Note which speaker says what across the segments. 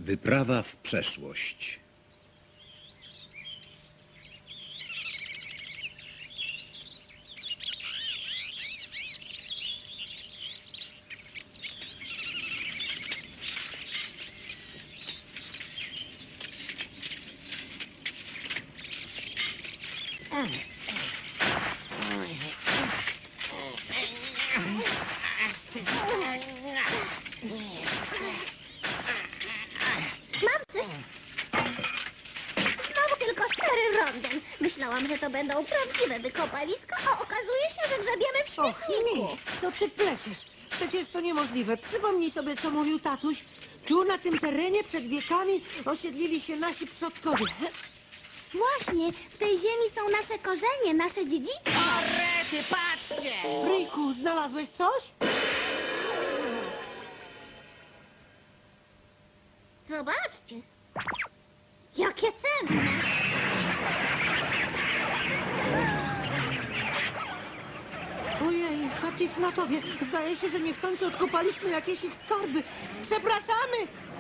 Speaker 1: Wyprawa w przeszłość.
Speaker 2: Mam coś. Znowu tylko stary rondem. Myślałam, że to będą prawdziwe wykopaliska, a okazuje się, że grzebiemy w
Speaker 3: Och,
Speaker 2: śmietniku.
Speaker 3: nie, to ty pleciesz. Przecież to niemożliwe. Przypomnij sobie, co mówił tatuś. Tu, na tym terenie, przed wiekami osiedlili się nasi przodkowie.
Speaker 2: Właśnie, w tej ziemi są nasze korzenie, nasze dziedzictwo.
Speaker 4: O, rety, patrzcie!
Speaker 3: Ryjku, znalazłeś coś?
Speaker 2: Zobaczcie. Jakie cenne.
Speaker 3: Ojej, Hatifnatowie, zdaje się, że niechcący odkopaliśmy jakieś ich skarby. Przepraszamy!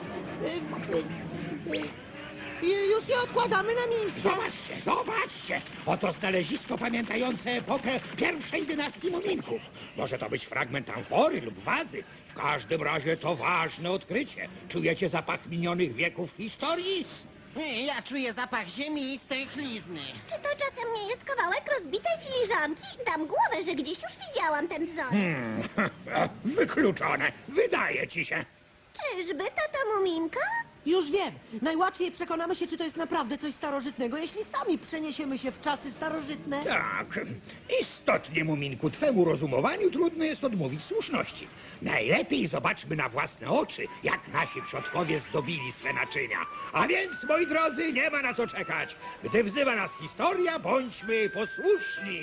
Speaker 3: Już je odkładamy na miejsce.
Speaker 5: Zobaczcie, zobaczcie! Oto znalezisko pamiętające epokę pierwszej dynastii Muminków. Może to być fragment amfory lub wazy. W każdym razie to ważne odkrycie. Czujecie zapach minionych wieków historii?
Speaker 4: Ja czuję zapach ziemi i stęchlizny.
Speaker 2: Czy to czasem nie jest kawałek rozbitej filiżanki? Dam głowę, że gdzieś już widziałam ten wzorek.
Speaker 5: Wykluczone. Wydaje ci się.
Speaker 2: Czyżby tata Muminka?
Speaker 3: Już wiem. Najłatwiej przekonamy się, czy to jest naprawdę coś starożytnego, jeśli sami przeniesiemy się w czasy starożytne.
Speaker 5: Tak. Istotnie, Muminku, twemu rozumowaniu trudno jest odmówić słuszności. Najlepiej zobaczmy na własne oczy, jak nasi przodkowie zdobili swe naczynia. A więc, moi drodzy, nie ma na co czekać. Gdy wzywa nas historia, bądźmy posłuszni.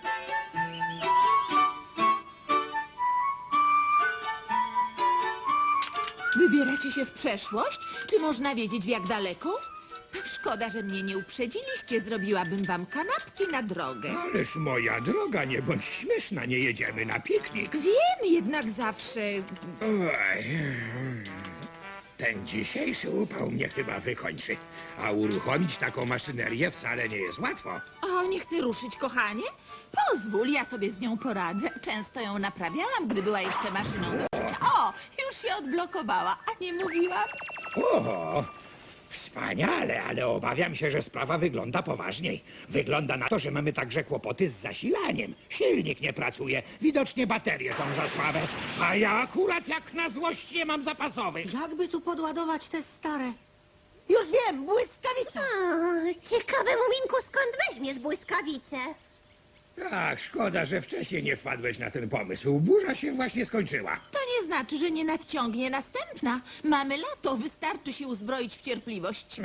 Speaker 6: Wybieracie się w przeszłość? Czy można wiedzieć, w jak daleko? Szkoda, że mnie nie uprzedziliście. Zrobiłabym wam kanapki na drogę.
Speaker 5: Ależ, moja droga, nie bądź śmieszna, nie jedziemy na piknik.
Speaker 6: Wiem, jednak zawsze...
Speaker 5: Oj, ten dzisiejszy upał mnie chyba wykończy. A uruchomić taką maszynerię wcale nie jest łatwo.
Speaker 6: O, nie chcę ruszyć, kochanie? Pozwól, ja sobie z nią poradzę. Często ją naprawiałam, gdy była jeszcze maszyną do szycia. O, już się odblokowała, a nie mówiłam?
Speaker 5: O, wspaniale, ale obawiam się, że sprawa wygląda poważniej. Wygląda na to, że mamy także kłopoty z zasilaniem. Silnik nie pracuje, widocznie baterie są za słabe, a ja akurat jak na złość nie mam zapasowych.
Speaker 3: Jakby tu podładować te stare? Już wiem, błyskawica!
Speaker 2: Ciekawe, Muminku, skąd weźmiesz błyskawicę?
Speaker 5: Tak, szkoda, że wcześniej nie wpadłeś na ten pomysł. Burza się właśnie skończyła.
Speaker 6: To nie znaczy, że nie nadciągnie następna. Mamy lato, wystarczy się uzbroić w cierpliwość.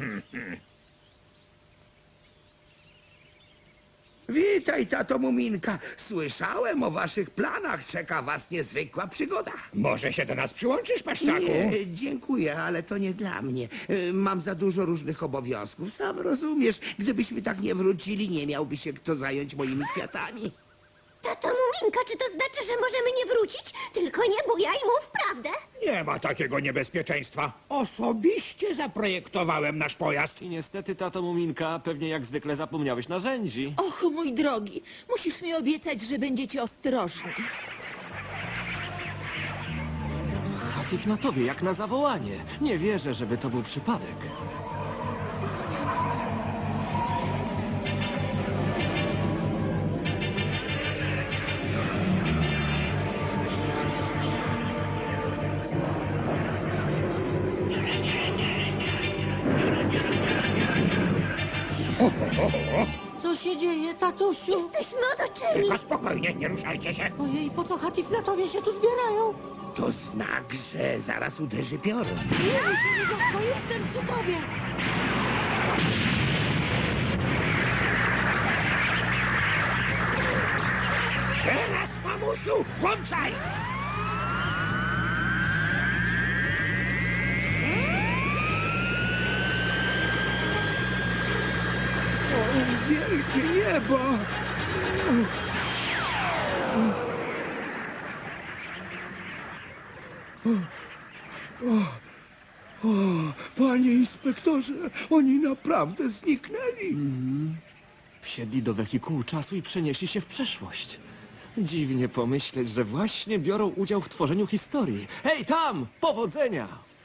Speaker 7: Witaj, tato Muminka. Słyszałem o waszych planach. Czeka was niezwykła przygoda.
Speaker 5: Może się do nas przyłączysz, Paszczaku?
Speaker 7: Nie, dziękuję, ale to nie dla mnie. Mam za dużo różnych obowiązków. Sam rozumiesz, gdybyśmy tak nie wrócili, nie miałby się kto zająć moimi kwiatami.
Speaker 2: Tato Muminka, czy to znaczy, że możemy nie wrócić? Tylko nie bujaj, mów prawdę.
Speaker 5: Nie ma takiego niebezpieczeństwa. Osobiście zaprojektowałem nasz pojazd.
Speaker 8: I niestety, tato Muminka, pewnie jak zwykle zapomniałeś narzędzi.
Speaker 6: Och, mój drogi, musisz mi obiecać, że będziecie ostrożni.
Speaker 8: Hatifnatowie, jak na zawołanie. Nie wierzę, żeby to był przypadek.
Speaker 3: Co się dzieje, tatusiu?
Speaker 2: Jesteśmy otoczeni.
Speaker 5: Tylko spokojnie, nie ruszajcie się.
Speaker 3: Ojej, po co Hatifnatowie się tu zbierają?
Speaker 7: To znak, że zaraz uderzy piorun.
Speaker 3: Nie, bo jestem przy tobie.
Speaker 5: Teraz, mamusiu, włączaj!
Speaker 7: Wielkie niebo!
Speaker 5: Panie inspektorze, oni naprawdę zniknęli.
Speaker 8: Wsiedli do wehikułu czasu i przenieśli się w przeszłość. Dziwnie pomyśleć, że właśnie biorą udział w tworzeniu historii. Hej, tam! Powodzenia!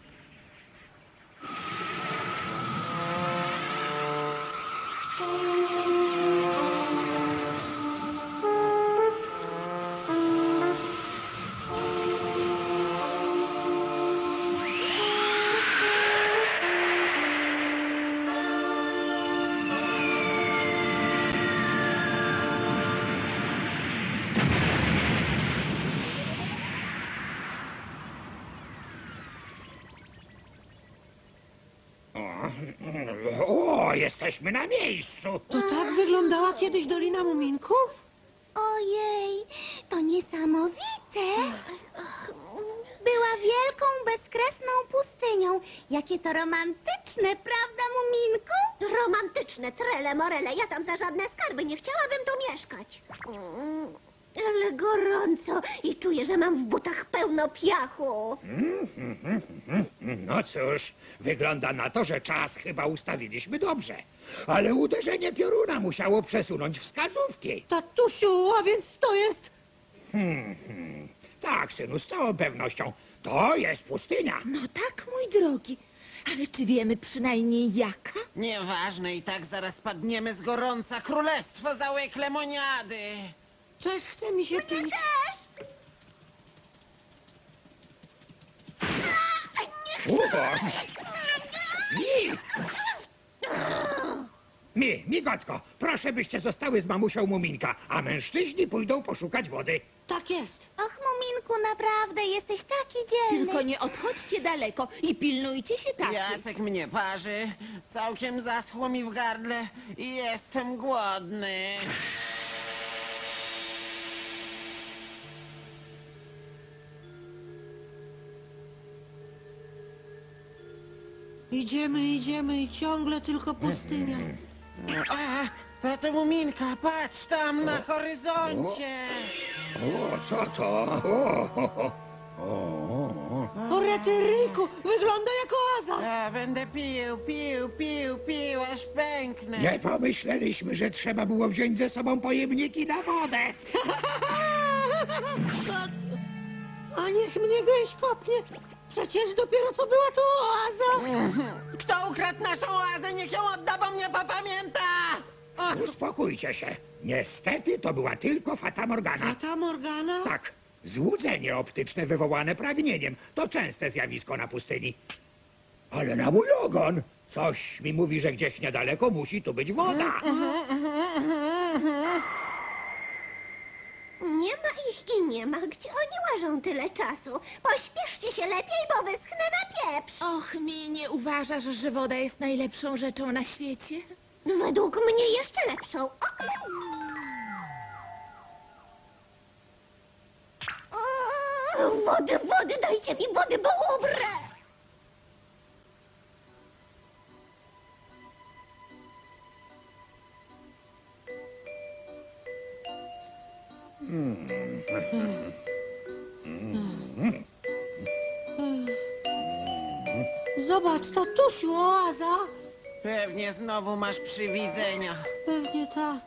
Speaker 5: O, jesteśmy na miejscu.
Speaker 3: To tak wyglądała kiedyś Dolina Muminków?
Speaker 2: Ojej, to niesamowite. Była wielką, bezkresną pustynią. Jakie to romantyczne, prawda, Muminku? Romantyczne, trele morele. Ja tam za żadne skarby nie chciałabym tu mieszkać. Ale gorąco i czuję, że mam w butach pełno piachu.
Speaker 5: No cóż, wygląda na to, że czas chyba ustawiliśmy dobrze. Ale uderzenie pioruna musiało przesunąć wskazówki.
Speaker 3: Tatusiu, a więc to jest...
Speaker 5: Tak, synu, z całą pewnością. To jest pustynia.
Speaker 6: No tak, mój drogi. Ale czy wiemy przynajmniej jaka?
Speaker 4: Nieważne, i tak zaraz padniemy z gorąca. Królestwo załek lemoniady.
Speaker 3: Też chce mi się pić.
Speaker 5: Migotko, proszę byście zostały z mamusią Muminka, a mężczyźni pójdą poszukać wody.
Speaker 3: Tak jest.
Speaker 2: Och, Muminku, naprawdę jesteś taki dzielny.
Speaker 6: Tylko nie odchodźcie daleko i pilnujcie się tak.
Speaker 4: Jacek mnie parzy. Całkiem zaschło mi w gardle i jestem głodny.
Speaker 3: Idziemy i ciągle tylko pustynia.
Speaker 4: A, tato Muminka, patrz tam na horyzoncie.
Speaker 5: O, co to?
Speaker 3: O, Retyryjku, wygląda jak oaza.
Speaker 4: A, będę pił, aż pęknę.
Speaker 5: Nie pomyśleliśmy, że trzeba było wziąć ze sobą pojemniki na wodę.
Speaker 3: A niech mnie gęś kopnie. Przecież dopiero co była to oaza.
Speaker 4: Kto ukradł naszą oazę, niech ją odda, bo mnie popamięta. O,
Speaker 5: Uspokójcie się. Niestety to była tylko Fata Morgana.
Speaker 3: A ta Morgana?
Speaker 5: Tak, złudzenie optyczne wywołane pragnieniem to częste zjawisko na pustyni. Ale na mój ogon! Coś mi mówi, że gdzieś niedaleko musi tu być woda.
Speaker 2: Nie ma ich i nie ma. Gdzie oni łażą tyle czasu? Pośpieszcie się lepiej, bo wyschnę na pieprz.
Speaker 6: Och, mi nie uważasz, że woda jest najlepszą rzeczą na świecie?
Speaker 2: Według mnie jeszcze lepszą. Wody, dajcie mi wody, bo umrę.
Speaker 3: Zobacz, tatusiu, oaza.
Speaker 4: pewnie znowu masz przywidzenia.
Speaker 3: Pewnie tak.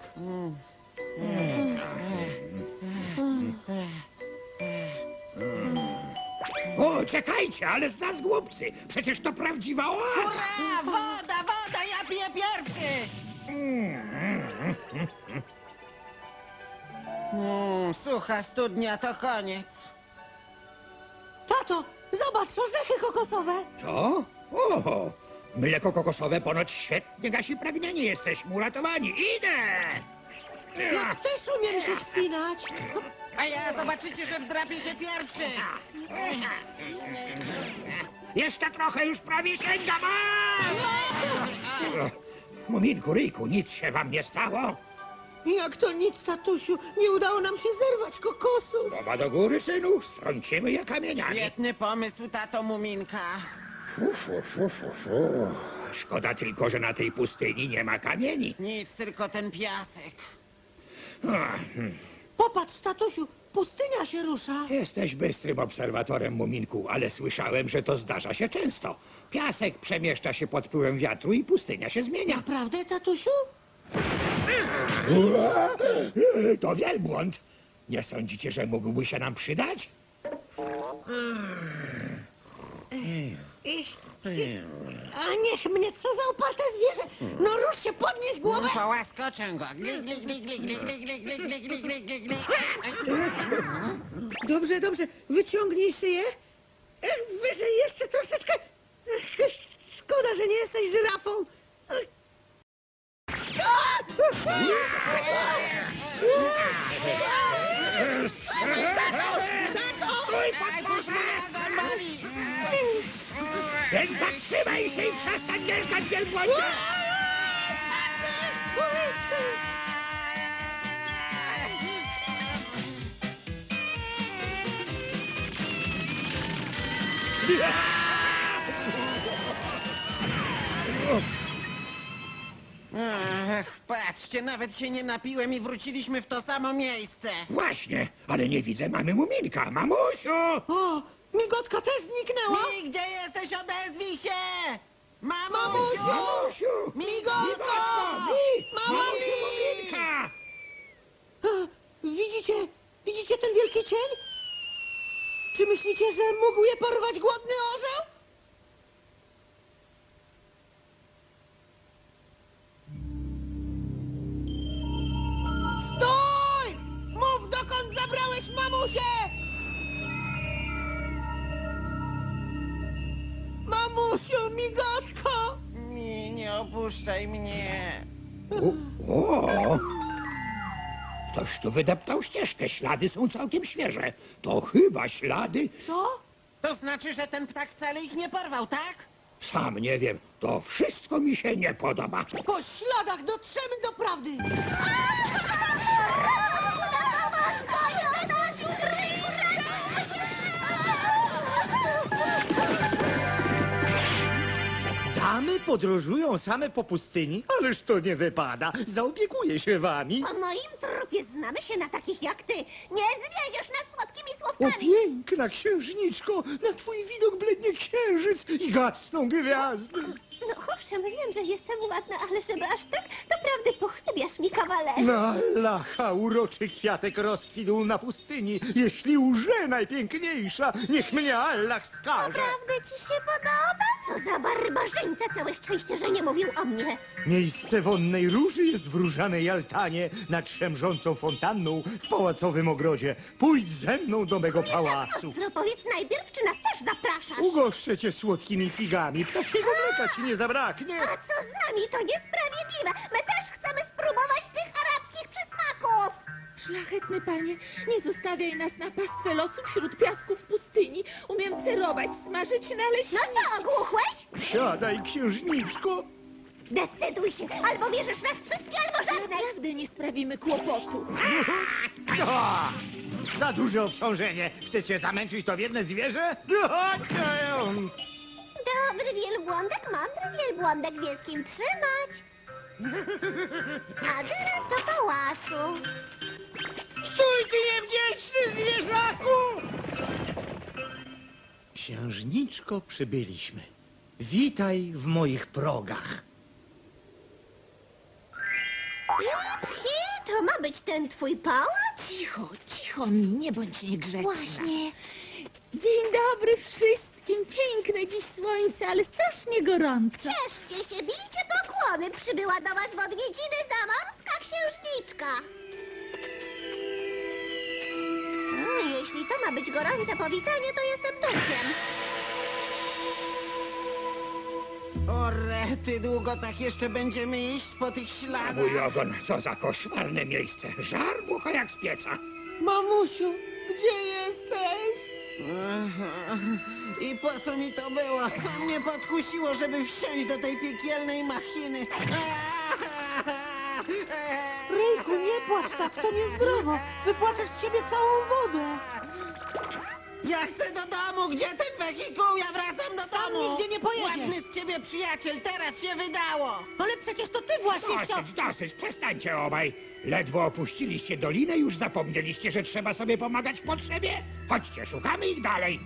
Speaker 5: O, czekajcie, ale z nas głupcy. Przecież to prawdziwa oaza.
Speaker 4: Hurra! Woda, ja piję pierwszy! Sucha studnia to koniec.
Speaker 3: Tato, zobacz, orzechy kokosowe.
Speaker 5: Co? Oho, mleko kokosowe ponoć świetnie gasi pragnienie. Jesteśmy uratowani. Idę!
Speaker 3: Ja też umiem się wspinać.
Speaker 4: A ja zobaczycie, że wdrapię się pierwszy.
Speaker 5: Jeszcze trochę, już prawie sięgam. Muminku, Ryjku, nic się wam nie stało?
Speaker 3: Jak to nic, tatusiu, nie udało nam się zerwać kokosu.
Speaker 5: Głowa do góry, synu, strącimy je kamieniami.
Speaker 4: Świetny pomysł, tato Muminka.
Speaker 5: Szkoda tylko, że na tej pustyni nie ma kamieni.
Speaker 4: Nic, tylko ten piasek.
Speaker 5: Ach,
Speaker 3: Popatrz, tatusiu, pustynia się rusza.
Speaker 5: Jesteś bystrym obserwatorem, Muminku, ale słyszałem, że to zdarza się często. Piasek przemieszcza się pod wpływem wiatru i pustynia się zmienia.
Speaker 3: Naprawdę, tatusiu?
Speaker 5: To wielbłąd. Nie sądzicie, że mógłby się nam przydać?
Speaker 3: A niech mnie, co za oparte zwierzę! No rusz się, podnieś głowę!
Speaker 4: Połaskoczę go. Gli, gli, gli, gli, gli, gli, gli, gli, gli, gli, gli, gli, gli.
Speaker 3: Dobrze, dobrze, wyciągnij szyję. Wyżej jeszcze troszeczkę. Szkoda, że nie jesteś żyrafą.
Speaker 4: Aj, puść mnie, go boli.
Speaker 5: Więc zatrzymaj się i przestań mieszkać, wielbłądzie!
Speaker 4: Ach, patrzcie, nawet się nie napiłem i wróciliśmy w to samo miejsce.
Speaker 5: Właśnie, ale nie widzę mamy Muminka. Mamusiu!
Speaker 3: O, migotka też zniknęła.
Speaker 4: Mi, gdzie jesteś? Odezwij się! Mamusiu!
Speaker 5: Mamusiu!
Speaker 4: Migotko!
Speaker 5: Mamy Muminka!
Speaker 3: Widzicie ten wielki cień? Czy myślicie, że mógł je porwać głodny orzeł? Stój! Mów, dokąd zabrałeś mamusię! Mamusiu, migotko!
Speaker 4: Mi, nie opuszczaj mnie.
Speaker 5: O! Ktoś tu wydeptał ścieżkę. Ślady są całkiem świeże. To chyba ślady...
Speaker 3: Co?
Speaker 4: To znaczy, że ten ptak wcale ich nie porwał, tak?
Speaker 5: Sam nie wiem. To wszystko mi się nie podoba.
Speaker 3: Po śladach dotrzemy do prawdy!
Speaker 9: Damy podróżują same po pustyni? Ależ to nie wypada. Zaopiekuję się wami.
Speaker 2: Po moim trupie znamy się na takich jak ty. Nie zwiedziesz nas słodkimi
Speaker 9: O
Speaker 2: słówkami.
Speaker 9: piękna księżniczko, na twój widok blednie księżyc i gasną gwiazdy.
Speaker 2: No owszem, wiem, że jestem ładna, ale żeby aż tak, naprawdę pochlebiasz mi, kawalerze.
Speaker 9: Na lacha uroczy kwiatek rozkwitł na pustyni. Jeśli łże najpiękniejsza, niech mnie Allah skaże.
Speaker 2: Naprawdę ci się podoba? Co za barbarzyńca, całe szczęście, że nie mówił o mnie.
Speaker 9: Miejsce wonnej róży jest w różanej altanie nad szemrzącą fontanną w pałacowym ogrodzie. Pójdź ze mną do mego pałacu.
Speaker 2: Ostro, powiedz najpierw, czy nas też zapraszasz?
Speaker 9: Ugoszczę cię słodkimi figami. Ptasiego mleka ci nie zabraknie.
Speaker 2: A co z nami? To niesprawiedliwe. My też chcemy spróbować tych arabskich przysmaków.
Speaker 6: Szlachetny panie, nie zostawiaj nas na pastwę losu wśród piasków pustyni. Umiem cerować, smażyć
Speaker 2: No
Speaker 6: naleśniki.
Speaker 2: co, ogłuchłeś?
Speaker 9: Siadaj, księżniczko.
Speaker 2: Decyduj się, albo bierzesz nas wszystkie, albo żadnej.
Speaker 6: Naprawdę nie sprawimy kłopotu.
Speaker 9: O! Za duże obciążenie. Chcecie zamęczyć to biedne zwierzę?
Speaker 2: Dobry wielbłądek, mądry wielbłądek, wie z kim trzymać. A teraz do pałacu.
Speaker 9: Stój, ty niewdzięczny zwierzaku! Księżniczko, przybyliśmy. Witaj w moich progach.
Speaker 2: Pchi, to ma być ten twój pałac?
Speaker 6: Cicho, cicho mi, nie bądź niegrzeczna.
Speaker 2: Właśnie.
Speaker 6: Dzień dobry wszystkim. Piękne dziś słońce, ale strasznie gorąco.
Speaker 2: Cieszcie się, bijcie pokłony. Przybyła do was w odwiedziny zamorska księżniczka. Jeśli to ma być gorące powitanie, to jestem duchem.
Speaker 4: O rety, długo tak jeszcze będziemy iść po tych śladach?
Speaker 5: Mój ogon, co za koszmarne miejsce. Żar bucha jak z pieca.
Speaker 3: Mamusiu, gdzie jesteś?
Speaker 4: Aha. I po co mi to było? Mnie podkusiło, żeby wsiąść do tej piekielnej machiny.
Speaker 3: Ryjku, nie płacz tak, to niezdrowo. Wypłaczesz z siebie całą wodę.
Speaker 4: Ja chcę do domu! Gdzie ten wehikuł? Ja wracam do
Speaker 3: Tam
Speaker 4: domu!
Speaker 3: nigdzie nie pojedziesz.
Speaker 4: Ładny z ciebie przyjaciel, teraz się wydało!
Speaker 3: Ale przecież to ty właśnie chciał...
Speaker 5: Dosyć, przestańcie obaj. Ledwo opuściliście dolinę, już zapomnieliście, że trzeba sobie pomagać w potrzebie? Chodźcie, szukamy ich dalej.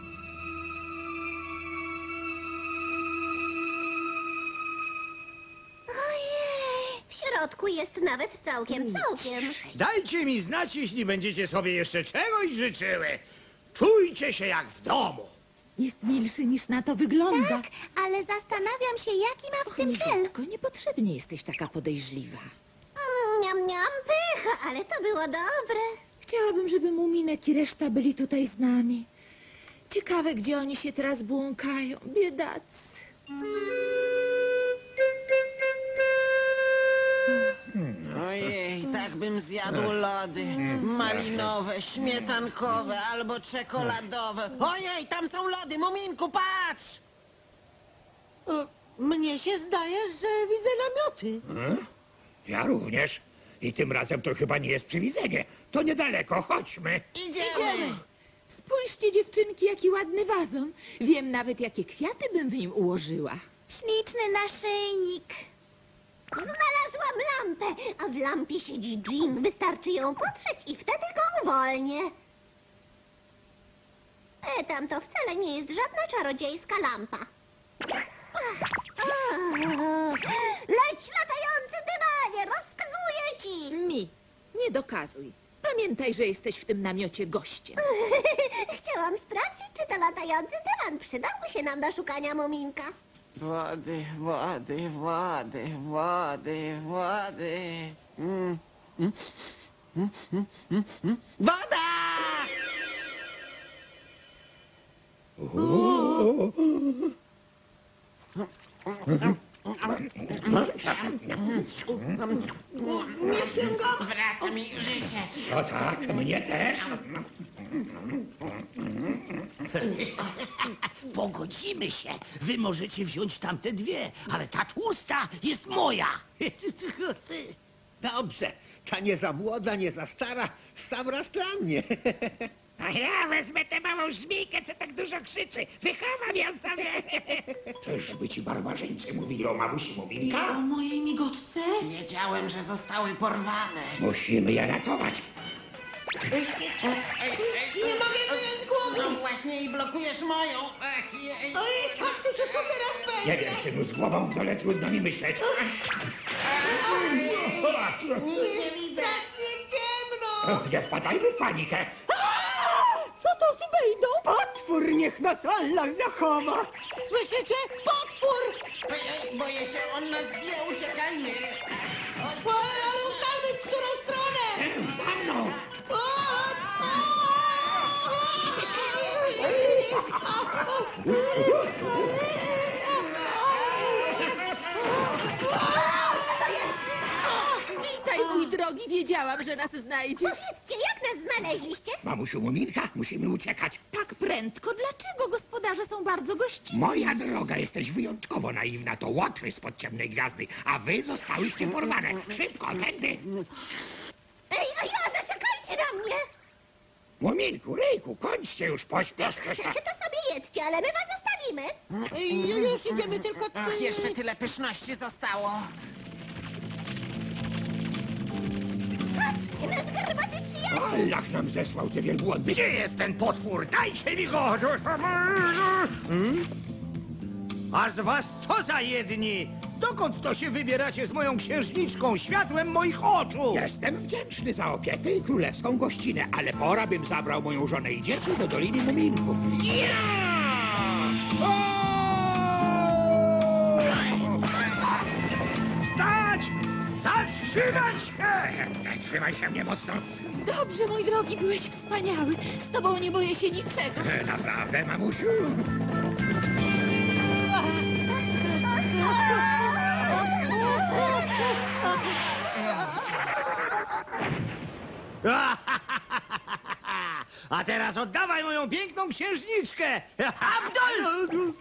Speaker 2: Ojej, w środku jest nawet całkiem.
Speaker 9: Dajcie mi znać, jeśli będziecie sobie jeszcze czegoś życzyły. Czujcie się jak w domu.
Speaker 6: Jest milszy niż na to wygląda.
Speaker 2: Tak, ale zastanawiam się, jaki ma w tym cel.
Speaker 6: Tylko niepotrzebnie jesteś taka podejrzliwa.
Speaker 2: Niam, niam, pycha, ale to było dobre.
Speaker 6: Chciałabym, żeby Muminek i reszta byli tutaj z nami. Ciekawe, gdzie oni się teraz błąkają. Biedacy.
Speaker 4: Ojej, tak bym zjadł lody. Malinowe, śmietankowe albo czekoladowe. Ojej, tam są lody! Muminku, patrz!
Speaker 3: Mnie się zdaje, że widzę namioty.
Speaker 5: Ja również. I tym razem to chyba nie jest przywidzenie. To niedaleko, chodźmy.
Speaker 4: Idziemy!
Speaker 6: Spójrzcie, dziewczynki, jaki ładny wazon. Wiem nawet, jakie kwiaty bym w nim ułożyła.
Speaker 2: Śliczny naszyjnik. Znalazłam lampę, a w lampie siedzi Jean. Wystarczy ją potrzeć i wtedy go uwolnię. Tam to wcale nie jest żadna czarodziejska lampa. Leć, latający dymanie, rozkazuję ci!
Speaker 6: Mi, nie dokazuj. Pamiętaj, że jesteś w tym namiocie gościem.
Speaker 2: Chciałam sprawdzić, czy to latający dywan przydałby się nam do szukania muminka.
Speaker 4: Wody, wody, wody, wody, wody. Woda! Wraca mi życie.
Speaker 5: O tak, mnie też.
Speaker 7: Pogodzimy się. Wy możecie wziąć tamte dwie, ale ta tłusta jest moja.
Speaker 1: Dobrze, ta nie za młoda, nie za stara, w sam raz dla mnie.
Speaker 5: A ja wezmę tę małą żmijkę, co tak dużo krzyczy. Wychowam ją sobie. Czyżby ci barbarzyńcy mówili o mamusi Muminka?
Speaker 3: O mojej migotce?
Speaker 4: Wiedziałem, że zostały porwane.
Speaker 5: Musimy je ratować.
Speaker 3: Nie mogę wyjąć głowy.
Speaker 4: No właśnie i blokujesz moją. Ach, jej.
Speaker 3: Ojej, kaktusie, co teraz
Speaker 5: Nie
Speaker 3: będzie?
Speaker 5: wiem, synu, z głową w dole trudno mi myśleć.
Speaker 4: Nic nie widzę.
Speaker 3: Strasznie ciemno.
Speaker 5: Nie wpadajmy w panikę.
Speaker 3: Co to z Bejdą?
Speaker 7: Potwór niech nas Allah zachowa.
Speaker 3: Słyszycie? Potwór!
Speaker 4: Ojej, boję się, on nas wie, uciekajmy. Oj,
Speaker 3: Ruszamy w którą stronę?
Speaker 5: Za mną.
Speaker 6: Witaj, mój drogi, wiedziałam, że nas znajdziesz.
Speaker 2: Powiedzcie, jak nas znaleźliście?
Speaker 5: Mamusiu Muminka, musimy uciekać.
Speaker 6: Tak prędko? Dlaczego gospodarze są bardzo gościnni?
Speaker 5: Moja droga, jesteś wyjątkowo naiwna. To łotry spod ciemnej gwiazdy, a wy zostałyście porwane. Szybko, tędy.
Speaker 2: Ej, a ja, zaczekajcie na mnie!
Speaker 5: Muminku, Ryjku, kończcie już, pośpieszcie się.
Speaker 2: Chcecie to sobie jedzcie, ale my was zostawimy.
Speaker 3: Już idziemy tylko...
Speaker 4: Ach, jeszcze tyle pyszności zostało.
Speaker 2: Patrzcie, nasz garbaty przyjaciel.
Speaker 5: Allah nam zesłał te wielbłądy. Gdzie jest ten potwór? Dajcie mi go!
Speaker 9: A z was co za jedni? Dokąd to się wybieracie z moją księżniczką, światłem moich oczu?
Speaker 5: Jestem wdzięczny za opiekę i królewską gościnę, ale pora bym zabrał moją żonę i dzieci do Doliny Muminków.
Speaker 9: Stać! Zatrzymać się!
Speaker 5: Trzymaj się mnie mocno.
Speaker 6: Dobrze, mój drogi, byłeś wspaniały. Z tobą nie boję się niczego.
Speaker 5: Naprawdę, mamusiu?
Speaker 9: A teraz oddawaj moją piękną księżniczkę! Abdol!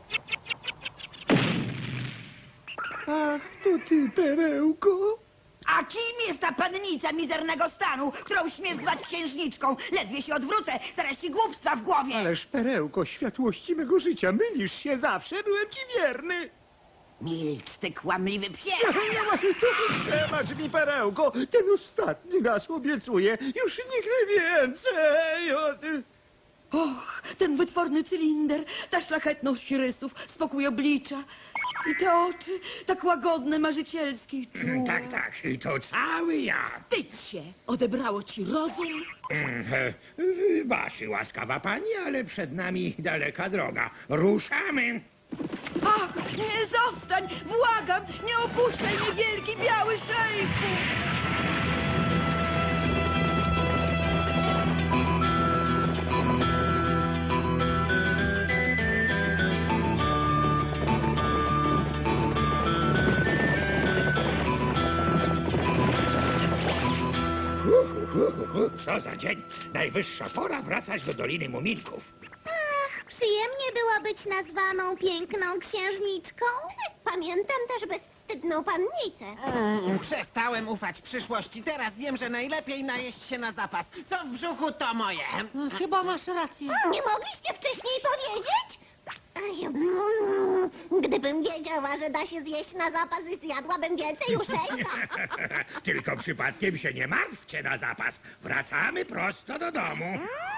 Speaker 9: Ach, to ty, perełko.
Speaker 10: A kim jest ta pannica mizernego stanu, którą śmiesz zwać księżniczką? Ledwie się odwrócę, zaraz ci głupstwa w głowie.
Speaker 9: Ależ perełko światłości mego życia, mylisz się zawsze, byłem ci wierny.
Speaker 10: Milcz, ty kłamliwy psie.
Speaker 9: Przebacz mi, perełko, ten ostatni raz obiecuję, już nigdy więcej.
Speaker 10: Och, ten wytworny cylinder, ta szlachetność rysów, spokój oblicza i te oczy, tak łagodne, marzycielskie i czułe.
Speaker 5: Tak, i to cały ja.
Speaker 10: Wstydź się, odebrało ci rozum?
Speaker 5: Wybaczy, łaskawa pani, ale przed nami daleka droga. Ruszamy.
Speaker 10: Ach, nie, zostań, błagam, nie opuszczaj mnie, wielki biały szejku.
Speaker 5: Co za dzień. Najwyższa pora wracać do Doliny Muminków.
Speaker 2: Ach, przyjemnie było być nazwaną piękną księżniczką. Pamiętam też bezwstydną pannicę.
Speaker 4: Przestałem ufać przyszłości. Teraz wiem, że najlepiej najeść się na zapas. Co w brzuchu, to moje.
Speaker 3: Chyba masz rację.
Speaker 2: Nie mogliście wcześniej powiedzieć? Gdybym wiedziała, że da się zjeść na zapas, zjadłabym więcej uszejka.
Speaker 5: Tylko przypadkiem się nie martwcie na zapas. Wracamy prosto do domu.